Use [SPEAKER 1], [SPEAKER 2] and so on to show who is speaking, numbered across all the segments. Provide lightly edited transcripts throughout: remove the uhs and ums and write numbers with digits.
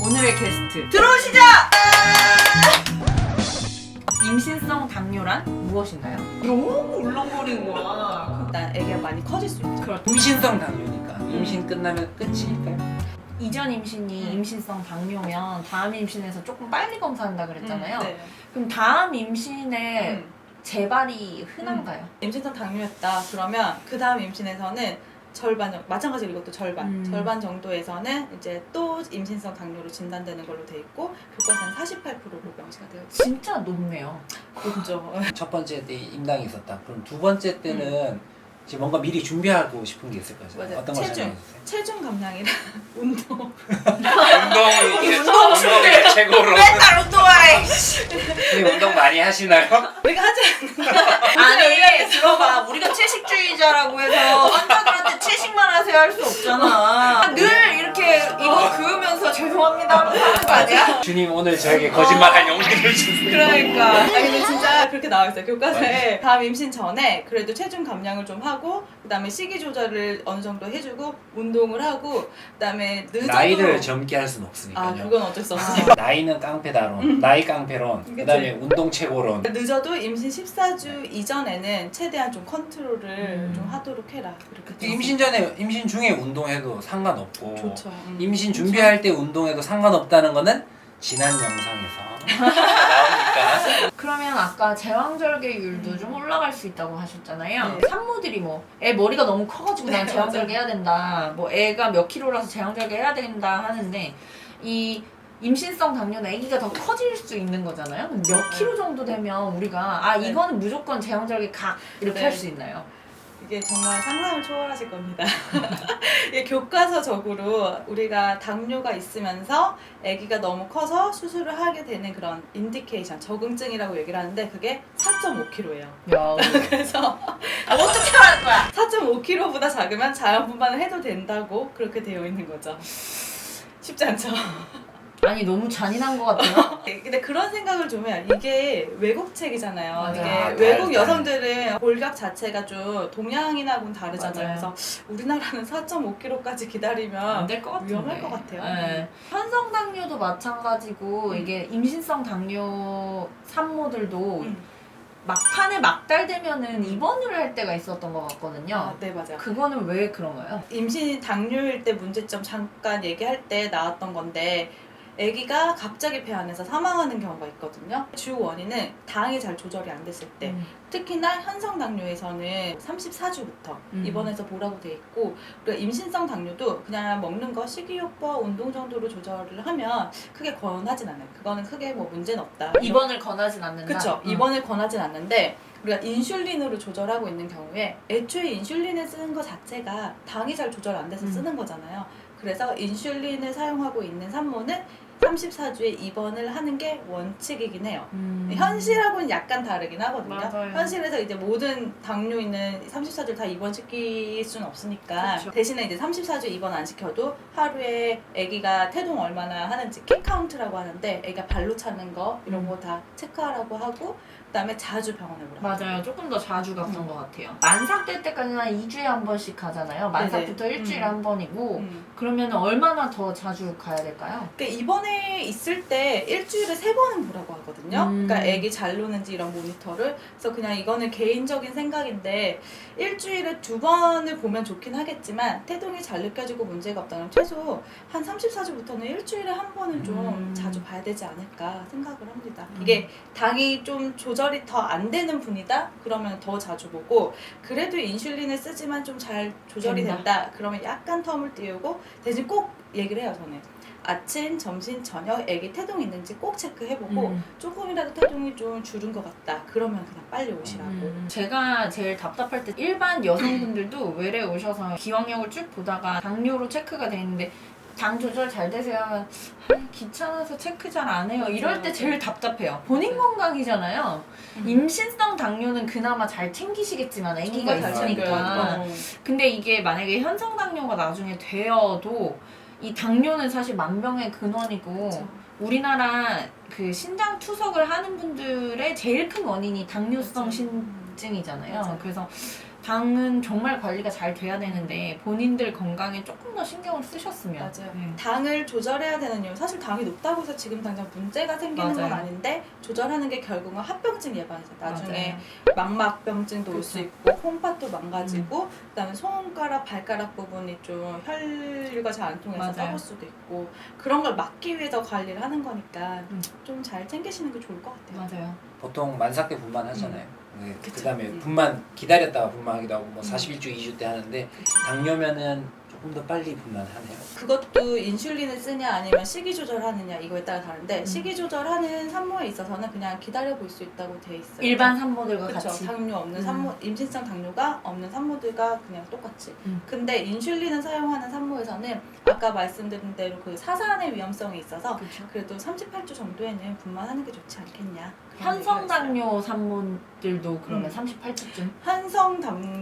[SPEAKER 1] 오늘의 게스트 들어오시죠! 임신성 당뇨란 무엇인가요? 너무 울렁거리는 거야.
[SPEAKER 2] 일단 애기가 많이 커질 수 있죠.
[SPEAKER 1] 그렇죠.
[SPEAKER 3] 임신성 당뇨니까 임신 끝나면 끝일까요?
[SPEAKER 1] 이전 임신이 임신성 당뇨면 다음 임신에서 조금 빨리 검사한다 그랬잖아요.
[SPEAKER 2] 네.
[SPEAKER 1] 그럼 다음 임신에 재발이 흔한가요?
[SPEAKER 2] 임신성 당뇨였다 그러면 그 다음 임신에서는 절반 정도, 마찬가지로 이것도 절반 정도에서는 이제 또 임신성 당뇨로 진단되는 걸로 돼 있고 교과서는 48%로 명시가 되어 있죠.
[SPEAKER 1] 진짜 높네요.
[SPEAKER 2] 높죠.
[SPEAKER 3] 첫 번째 때 임당이 있었다. 그럼 두 번째 때는 이제 뭔가 미리 준비하고 싶은 게 있을 거죠.
[SPEAKER 2] 맞아요.
[SPEAKER 3] 어떤 걸 생각해주세요?
[SPEAKER 2] 체중 감량이랑 운동.
[SPEAKER 3] 운동이 최고로.
[SPEAKER 1] 맨날 운동하래.
[SPEAKER 3] 근데 운동 많이 하시나요?
[SPEAKER 2] 우리가 하지
[SPEAKER 1] 아니 들어봐, 우리가 채식주의자라고 해서 환자들한테 채식만 하세요 할 수 없잖아. 늘 이렇게 이거 그으면서 죄송합니다 하면서 하는 거 아니야?
[SPEAKER 3] 주님 오늘 저에게 거짓말할 용기를 주세요.
[SPEAKER 2] 그러니까. 아니 근데 진짜 그렇게 나와 있어요. 교과서에 다음 임신 전에 그래도 체중 감량을 좀 하고 그다음에 식이 조절을 어느 정도 해주고 운동을 하고 그다음에 늦어도
[SPEAKER 3] 나이를 젊게 할 수는 없으니까요.
[SPEAKER 2] 아 그건 어쩔 수 없어.
[SPEAKER 3] 나이는 깡패다론, 나이 깡패론,
[SPEAKER 2] 그치.
[SPEAKER 3] 그다음에 운동 최고론.
[SPEAKER 2] 늦어도 임신 14주 이전에는 최대한 좀 컨트롤을 좀 하도록 해라. 이렇게 돼
[SPEAKER 3] 임신 전에, 임신 중에 운동해도 상관없고
[SPEAKER 2] 좋죠.
[SPEAKER 3] 임신 준비할 때 운동해도 상관없다는 거는 지난 영상에서 나오니까.
[SPEAKER 1] 그러면 아까 제왕절개율도 좀 올라갈 수 있다고 하셨잖아요.
[SPEAKER 2] 네.
[SPEAKER 1] 산모들이 뭐 애 머리가 너무 커가지고 난
[SPEAKER 2] 네,
[SPEAKER 1] 제왕절개 해야 된다, 뭐 애가 몇 킬로라서 제왕절개 해야 된다 하는데 이 임신성 당뇨는 아기가 더 커질 수 있는 거잖아요. 그럼 몇 킬로 정도 되면 우리가 아
[SPEAKER 2] 네.
[SPEAKER 1] 이거는 무조건 제왕절개 가 이렇게
[SPEAKER 2] 네.
[SPEAKER 1] 할 수 있나요?
[SPEAKER 2] 이게 정말 상상을 초월하실 겁니다. 이게 교과서적으로 우리가 당뇨가 있으면서 아기가 너무 커서 수술을 하게 되는 그런 인디케이션, 적응증이라고 얘기를 하는데 그게 4.5kg예요.
[SPEAKER 1] 야,
[SPEAKER 2] 그래서
[SPEAKER 1] 어떻게 하는 거야?
[SPEAKER 2] 4.5kg보다 작으면 자연분만을 해도 된다고 그렇게 되어 있는 거죠. 쉽지 않죠?
[SPEAKER 1] 아니 너무 잔인한 것 같아요.
[SPEAKER 2] 근데 그런 생각을 좀 해요. 이게 외국 책이잖아요.
[SPEAKER 1] 맞아요.
[SPEAKER 2] 이게 외국 여성들은 골격 자체가 좀 동양인하고는 다르잖아요.
[SPEAKER 1] 맞아요.
[SPEAKER 2] 그래서 우리나라는 4.5kg까지 기다리면
[SPEAKER 1] 안 될 것 같은데.
[SPEAKER 2] 위험할 것 같아요.
[SPEAKER 1] 네. 현성 당뇨도 마찬가지고 이게 임신성 당뇨 산모들도 막판에 막달되면은 입원을 할 때가 있었던 것 같거든요.
[SPEAKER 2] 아, 네, 맞아요.
[SPEAKER 1] 그거는 왜 그런가요?
[SPEAKER 2] 임신 당뇨일 때 문제점 잠깐 얘기할 때 나왔던 건데 아기가 갑자기 배 안에서 사망하는 경우가 있거든요. 주 원인은 당이 잘 조절이 안 됐을 때 특히나 현성 당뇨에서는 34주부터 입원해서 보라고 돼 있고 그리고 임신성 당뇨도 그냥 먹는 거 식이요법 운동 정도로 조절을 하면 크게 권하진 않아요. 그거는 크게 뭐 문제는 없다.
[SPEAKER 1] 입원을 권하진 않는다.
[SPEAKER 2] 그렇죠. 입원을 권하진 않는데 우리가 인슐린으로 조절하고 있는 경우에 애초에 인슐린을 쓰는 것 자체가 당이 잘 조절 안 돼서 쓰는 거잖아요. 그래서 인슐린을 사용하고 있는 산모는 34주에 입원을 하는 게 원칙이긴 해요. 현실하고는 약간 다르긴 하거든요.
[SPEAKER 1] 맞아요.
[SPEAKER 2] 현실에서 이제 모든 당뇨 있는 34주 다 입원시킬 수는 없으니까
[SPEAKER 1] 그쵸.
[SPEAKER 2] 대신에 이제 34주 입원 안 시켜도 하루에 아기가 태동 얼마나 하는지 킥 카운트라고 하는데 아기가 발로 차는 거 이런 거 다 체크하라고 하고 그다음에 자주 병원에 오라고.
[SPEAKER 1] 맞아요. 조금 더 자주 갔던 것 같아요. 만삭 될 때까지는 한 2주에 한 번씩 가잖아요. 만삭부터
[SPEAKER 2] 네네.
[SPEAKER 1] 일주일에 한 번이고
[SPEAKER 2] 음.
[SPEAKER 1] 그러면 얼마나 더 자주 가야 될까요?
[SPEAKER 2] 그러니까 입원해 있을 때 일주일에 3번은 보라고 하거든요. 그러니까 애기 잘 노는지 이런 모니터를. 그래서 그냥 이거는 개인적인 생각인데 일주일에 2번을 보면 좋긴 하겠지만 태동이 잘 느껴지고 문제가 없다면 최소 한 34주부터는 일주일에 한 번은 좀 자주 봐야 되지 않을까 생각을 합니다. 이게 당이 좀 조절이 더 안 되는 분이다? 그러면 더 자주 보고 그래도 인슐린을 쓰지만 좀 잘 조절이 된다? 그러면 약간 텀을 띄우고 대신 꼭 얘기를 해요 저는. 아침, 점심, 저녁 애기 태동 있는지 꼭 체크해보고 조금이라도 태동이 좀 줄은 것 같다. 그러면 그냥 빨리 오시라고.
[SPEAKER 1] 제가 제일 답답할 때 일반 여성분들도 외래 오셔서 기왕력을 쭉 보다가 당뇨로 체크가 돼 있는데 당 조절 잘 되세요 하면 귀찮아서 체크 잘 안 해요. 이럴 때 제일 답답해요. 본인 건강이잖아요. 임신성 당뇨는 그나마 잘 챙기시겠지만 아기가
[SPEAKER 2] 정말 잘
[SPEAKER 1] 있으니까.
[SPEAKER 2] 챙겨요.
[SPEAKER 1] 근데 이게 만약에 현성 당뇨가 나중에 되어도 이 당뇨는 사실 만병의 근원이고
[SPEAKER 2] 그쵸.
[SPEAKER 1] 우리나라 그 신장 투석을 하는 분들의 제일 큰 원인이 당뇨성 신증이잖아요.
[SPEAKER 2] 맞아요.
[SPEAKER 1] 그래서 당은 정말 관리가 잘 돼야 되는데 본인들 건강에 조금 더 신경을 쓰셨으면.
[SPEAKER 2] 맞아요.
[SPEAKER 1] 네.
[SPEAKER 2] 당을 조절해야 되는 이유 사실 당이 높다고 해서 지금 당장 문제가 생기는 건
[SPEAKER 1] 맞아요.
[SPEAKER 2] 아닌데 조절하는 게 결국은 합병증 예방이죠. 나중에
[SPEAKER 1] 맞아요.
[SPEAKER 2] 망막병증도 올 수
[SPEAKER 1] 그쵸.
[SPEAKER 2] 있고 콩팥도 망가지고 그다음에 손가락 발가락 부분이 좀 혈류가 잘 안 통해서
[SPEAKER 1] 맞아요.
[SPEAKER 2] 썩을 수도 있고 그런 걸 막기 위해서 관리를 하는 거니까 좀 잘 챙기시는 게 좋을 것 같아요.
[SPEAKER 1] 맞아요.
[SPEAKER 3] 보통 만삭때 분만 하잖아요.
[SPEAKER 2] 그쵸.
[SPEAKER 3] 그다음에 분만 기다렸다가 분만하기도 하고 뭐 41주, 2주 때 하는데 당뇨면은 조금 더 빨리 분만하네요.
[SPEAKER 2] 그것도 인슐린을 쓰냐 아니면 식이 조절하느냐 이거에 따라 다른데 식이 조절하는 산모에 있어서는 그냥 기다려 볼 수 있다고 돼 있어요.
[SPEAKER 1] 일반 산모들과
[SPEAKER 2] 그쵸.
[SPEAKER 1] 같이.
[SPEAKER 2] 당뇨 없는 산모, 임신성 당뇨가 없는 산모들과 그냥 똑같이.
[SPEAKER 1] 음.
[SPEAKER 2] 근데 인슐린을 사용하는 산모에서는 아까 말씀드린 대로 그 사산의 위험성이 있어서
[SPEAKER 1] 그쵸.
[SPEAKER 2] 그래도 38주 정도에는 분만하는 게 좋지 않겠냐. 그런
[SPEAKER 1] 현성
[SPEAKER 2] 얘기가 있어요.
[SPEAKER 1] 당뇨 산모들도 그러면 38주쯤.
[SPEAKER 2] 한성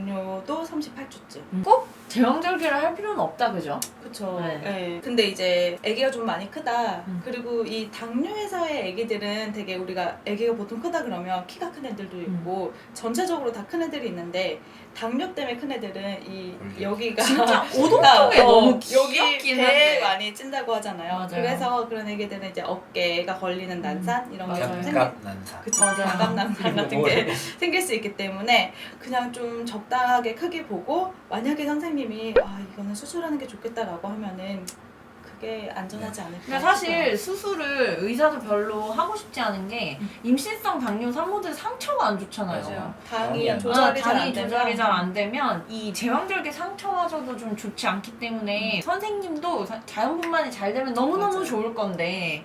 [SPEAKER 2] 당뇨도 38주쯤.
[SPEAKER 1] 꼭 제왕절개를 할 필요는 없다, 그죠?
[SPEAKER 2] 그쵸.
[SPEAKER 1] 네.
[SPEAKER 2] 네. 근데 이제 아기가 좀 많이 크다.
[SPEAKER 1] 음.
[SPEAKER 2] 그리고 이 당뇨에서의 아기들은 되게 우리가 아기가 보통 크다 그러면 키가 큰 애들도 있고 전체적으로 다 큰 애들이 있는데 당뇨 때문에 큰 애들은 이 여기가
[SPEAKER 1] 진짜 오동통에 너무
[SPEAKER 2] 여기
[SPEAKER 1] 귀엽긴
[SPEAKER 2] 배에
[SPEAKER 1] 한데.
[SPEAKER 2] 많이 찐다고 하잖아요.
[SPEAKER 1] 맞아요.
[SPEAKER 2] 그래서 그런 애기들은 이제 어깨가 걸리는 난산 이런 게
[SPEAKER 1] 맞아요.
[SPEAKER 2] 좀 생기.
[SPEAKER 3] 견갑난사.
[SPEAKER 2] 그쵸.
[SPEAKER 1] 맞아요.
[SPEAKER 2] 견갑난산 같은 게 생길 수 있기 때문에 그냥 좀 적당하게 크기 보고 만약에 선생님이 아 이거는 수술하는 게 좋겠다라고 하면은 그게 안전하지 않을까.
[SPEAKER 1] 근데 사실 수술을 의사도 별로 하고 싶지 않은 게 임신성 당뇨 산모들 상처가 안 좋잖아요.
[SPEAKER 2] 맞아요. 당이
[SPEAKER 3] 당이
[SPEAKER 2] 조절이 잘
[SPEAKER 1] 당이
[SPEAKER 2] 안 되면
[SPEAKER 1] 조절이 잘 안 되면 이 제왕절개 상처마저도 좀 좋지 않기 때문에 선생님도 자연분만이 잘 되면 너무너무
[SPEAKER 2] 맞아요.
[SPEAKER 1] 좋을 건데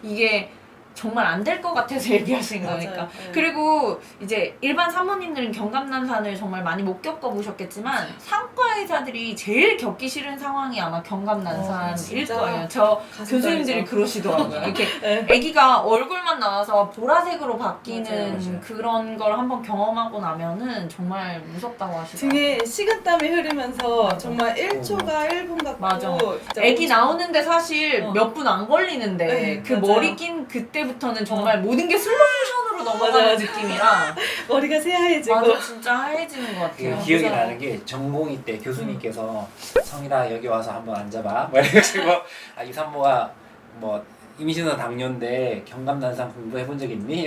[SPEAKER 1] 이게 정말 안 될 것 같아서 얘기하신
[SPEAKER 2] 맞아요.
[SPEAKER 1] 거니까.
[SPEAKER 2] 네.
[SPEAKER 1] 그리고 이제 일반 산모님들은 견갑난산을 정말 많이 못 겪어보셨겠지만 상과 의사들이 제일 겪기 싫은 상황이 아마 견갑난산일
[SPEAKER 2] 진짜
[SPEAKER 1] 거예요. 저
[SPEAKER 2] 가슴
[SPEAKER 1] 교수님들이
[SPEAKER 2] 떨리죠.
[SPEAKER 1] 그러시더라고요. 이렇게
[SPEAKER 2] 네.
[SPEAKER 1] 아기가 얼굴만 나와서 보라색으로 바뀌는
[SPEAKER 3] 맞아요.
[SPEAKER 1] 그런 걸 한번 경험하고 나면은 정말 무섭다고 하시더라고요.
[SPEAKER 2] 등에 식은땀이 흐르면서
[SPEAKER 1] 맞아.
[SPEAKER 2] 정말 1초가 1분 같고
[SPEAKER 1] 맞아.
[SPEAKER 2] 진짜
[SPEAKER 1] 아기 나오는데 사실
[SPEAKER 2] 어.
[SPEAKER 1] 몇 분 안 걸리는데
[SPEAKER 2] 네,
[SPEAKER 1] 그
[SPEAKER 2] 맞아요.
[SPEAKER 1] 머리 낀 그때부터는 정말 모든 게 슬로모션으로 넘어가는
[SPEAKER 2] 맞아요.
[SPEAKER 1] 느낌이라
[SPEAKER 2] 머리가 새하얘지고
[SPEAKER 1] 맞아 진짜 하얘지는 것
[SPEAKER 3] 그
[SPEAKER 1] 같아요.
[SPEAKER 3] 기억이
[SPEAKER 2] 무서워.
[SPEAKER 3] 나는 게 전공의 때 교수님께서 성일아 여기 와서 한번 앉아봐 뭐 이래가지고 아, 이 산모가 뭐 임신은 당뇨인데 견갑난산 공부해본 적 있니?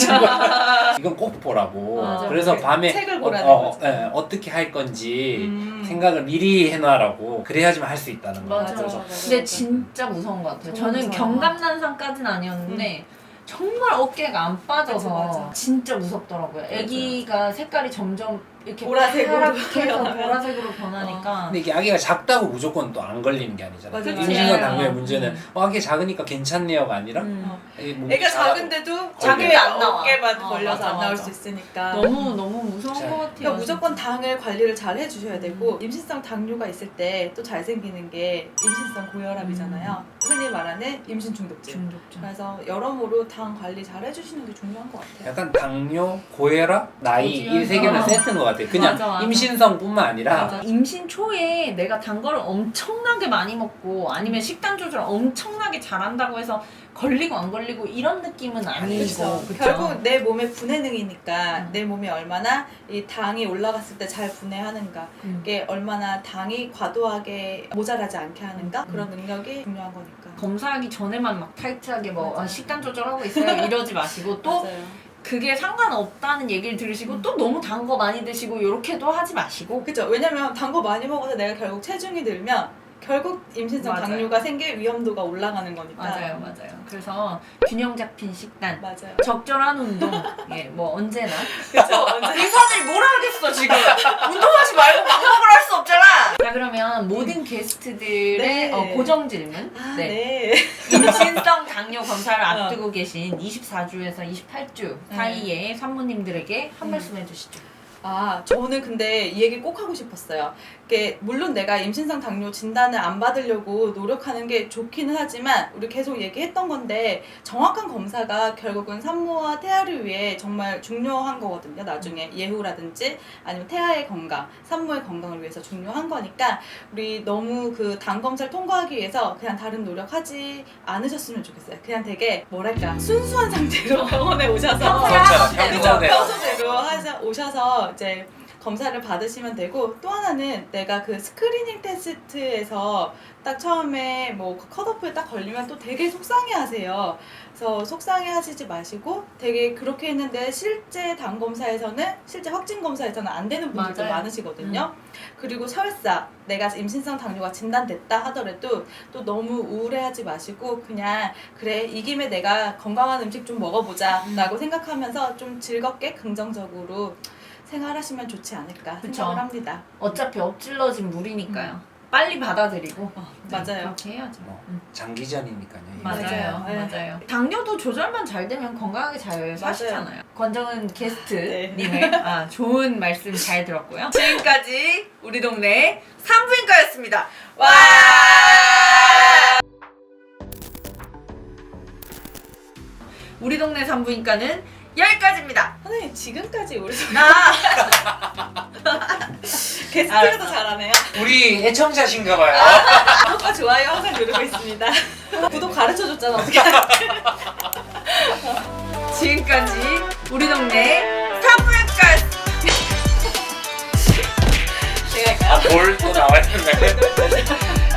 [SPEAKER 3] 이건 꼭 보라고.
[SPEAKER 1] 맞아.
[SPEAKER 3] 그래서
[SPEAKER 2] 그
[SPEAKER 3] 밤에
[SPEAKER 2] 책을 보라는 거죠.
[SPEAKER 3] 어떻게 할 건지 생각을 미리 해놔라고 그래야지만 할 수 있다는 거.
[SPEAKER 1] 맞아.
[SPEAKER 2] 맞아.
[SPEAKER 1] 근데 진짜 무서운 것 같아요.
[SPEAKER 2] 정말
[SPEAKER 1] 저는
[SPEAKER 2] 무서워.
[SPEAKER 1] 견갑난산까지는 아니었는데 정말 어깨가 안 빠져서
[SPEAKER 2] 맞아.
[SPEAKER 1] 진짜 무섭더라고요. 아기가 색깔이 점점 이렇게
[SPEAKER 2] 보라색으로
[SPEAKER 1] 파랗게 해서
[SPEAKER 2] 변하면.
[SPEAKER 1] 보라색으로 변하니까
[SPEAKER 3] 근데 이게 아기가 작다고 무조건 또 안 걸리는 게 아니잖아요.
[SPEAKER 2] 맞아.
[SPEAKER 3] 임신과 당뇨의
[SPEAKER 1] 음.
[SPEAKER 3] 문제는 아기 작으니까 괜찮네요가 아니라 아기 몸이
[SPEAKER 2] 애가
[SPEAKER 3] 작아도
[SPEAKER 2] 작은데도
[SPEAKER 1] 자기 안 나와.
[SPEAKER 2] 어깨만
[SPEAKER 1] 어,
[SPEAKER 2] 걸려서
[SPEAKER 1] 맞아,
[SPEAKER 2] 안 나올
[SPEAKER 1] 맞아.
[SPEAKER 2] 수 있으니까
[SPEAKER 1] 너무 무서운
[SPEAKER 3] 진짜.
[SPEAKER 1] 것 같아요.
[SPEAKER 2] 그러니까 무조건 당을 관리를 잘 해주셔야 되고 임신성 당뇨가 있을 때 또 잘 생기는 게 임신성 고혈압이잖아요. 흔히 말하는 임신 중독증.
[SPEAKER 1] 중독증.
[SPEAKER 2] 그래서 여러모로 당 관리 잘 해주시는 게 중요한 것 같아요.
[SPEAKER 3] 약간 당뇨, 고혈압, 나이
[SPEAKER 1] 고지혈.
[SPEAKER 3] 이 세 개는
[SPEAKER 1] 어.
[SPEAKER 3] 세트인 것 같아요. 그냥
[SPEAKER 1] 맞아.
[SPEAKER 3] 임신성뿐만 아니라
[SPEAKER 1] 맞아. 임신 초에 내가 단 거를 엄청나게 많이 먹고 아니면 식단 조절 엄청나게 잘한다고 해서 걸리고 안 걸리고 이런 느낌은 아니고
[SPEAKER 2] 그렇죠.
[SPEAKER 1] 그쵸?
[SPEAKER 2] 결국 내 몸의 분해능이니까
[SPEAKER 1] 음.
[SPEAKER 2] 내 몸이 얼마나 이 당이 올라갔을 때 잘 분해하는가 이게 얼마나 당이 과도하게 모자라지 않게 하는가 그런 능력이 중요한 거니까.
[SPEAKER 1] 검사하기 전에만 막 타이트하게 뭐
[SPEAKER 2] 맞아요.
[SPEAKER 1] 식단 조절하고 있어요 이러지 마시고 또
[SPEAKER 2] 맞아요.
[SPEAKER 1] 그게 상관없다는 얘기를 들으시고 또 너무 단 거 많이 드시고 이렇게도 하지 마시고
[SPEAKER 2] 그죠. 왜냐면 단 거 많이 먹어서 내가 결국 체중이 늘면 결국 임신성
[SPEAKER 1] 맞아요.
[SPEAKER 2] 당뇨가 생길 위험도가 올라가는 거니까.
[SPEAKER 1] 맞아요. 그래서 균형 잡힌 식단
[SPEAKER 2] 맞아요.
[SPEAKER 1] 적절한 운동 예, 뭐 언제나
[SPEAKER 2] 그죠. 언제
[SPEAKER 1] 의사들이 뭐라 하겠어 지금 운동하지 말고 막 먹으라 할 수 없잖아. 자 그러면 모든 게스트들의
[SPEAKER 2] 네.
[SPEAKER 1] 고정 질문
[SPEAKER 2] 네.
[SPEAKER 1] 임신성 당뇨 검사를 앞두고 계신 24주에서 28주 사이에 산모님들에게 한 말씀 해주시죠.
[SPEAKER 2] 아, 저는 근데 이 얘기 꼭 하고 싶었어요. 이게 물론 내가 임신성 당뇨 진단을 안 받으려고 노력하는 게 좋기는 하지만 우리 계속 얘기했던 건데 정확한 검사가 결국은 산모와 태아를 위해 정말 중요한 거거든요. 나중에 예후라든지 아니면 태아의 건강, 산모의 건강을 위해서 중요한 거니까 우리 너무 그 당 검사를 통과하기 위해서 그냥 다른 노력하지 않으셨으면 좋겠어요. 그냥 되게 뭐랄까 순수한 상태로 병원에 오셔서
[SPEAKER 3] 그렇죠.
[SPEAKER 2] 그죠?
[SPEAKER 3] 평소대로.
[SPEAKER 2] 평소대로 오셔서 이제 검사를 받으시면 되고 또 하나는 내가 그 스크리닝 테스트에서 딱 처음에 뭐 컷오프에 딱 걸리면 또 되게 속상해하세요. 그래서 속상해하시지 마시고 되게 그렇게 했는데 실제 당 검사에서는 실제 확진 검사에서는 안 되는 분들도
[SPEAKER 1] 맞아요.
[SPEAKER 2] 많으시거든요. 그리고 설사 내가 임신성 당뇨가 진단됐다 하더라도 또 너무 우울해하지 마시고 그냥 그래 이 김에 내가 건강한 음식 좀 먹어보자 라고 생각하면서 좀 즐겁게 긍정적으로 생활하시면 좋지 않을까
[SPEAKER 1] 그쵸.
[SPEAKER 2] 생각을 합니다.
[SPEAKER 1] 어차피 엎질러진 물이니까요. 빨리 받아들이고.
[SPEAKER 2] 맞아요.
[SPEAKER 1] 그렇게 해야죠.
[SPEAKER 3] 뭐 장기전이니까요. 이게.
[SPEAKER 1] 맞아요.
[SPEAKER 2] 맞아요.
[SPEAKER 1] 맞아요. 당뇨도 조절만 잘 되면 건강하게 잘 사시잖아요. 권정은 게스트님의 좋은 말씀 잘 들었고요. 지금까지 우리 동네 산부인과였습니다. 와! 우리 동네 산부인과는 여기까지입니다.
[SPEAKER 2] 선생님 지금까지 우리
[SPEAKER 1] 알았어.
[SPEAKER 2] 게스트가 더 잘하네요.
[SPEAKER 3] 우리 애청자신가봐요.
[SPEAKER 2] 구독과 좋아요 항상 누르고 있습니다. 구독 가르쳐줬잖아 어떻게
[SPEAKER 1] 지금까지 우리 동네 산부인과였습니다.
[SPEAKER 2] 제가 할까요?
[SPEAKER 3] 뭘 또 나와야 되나요?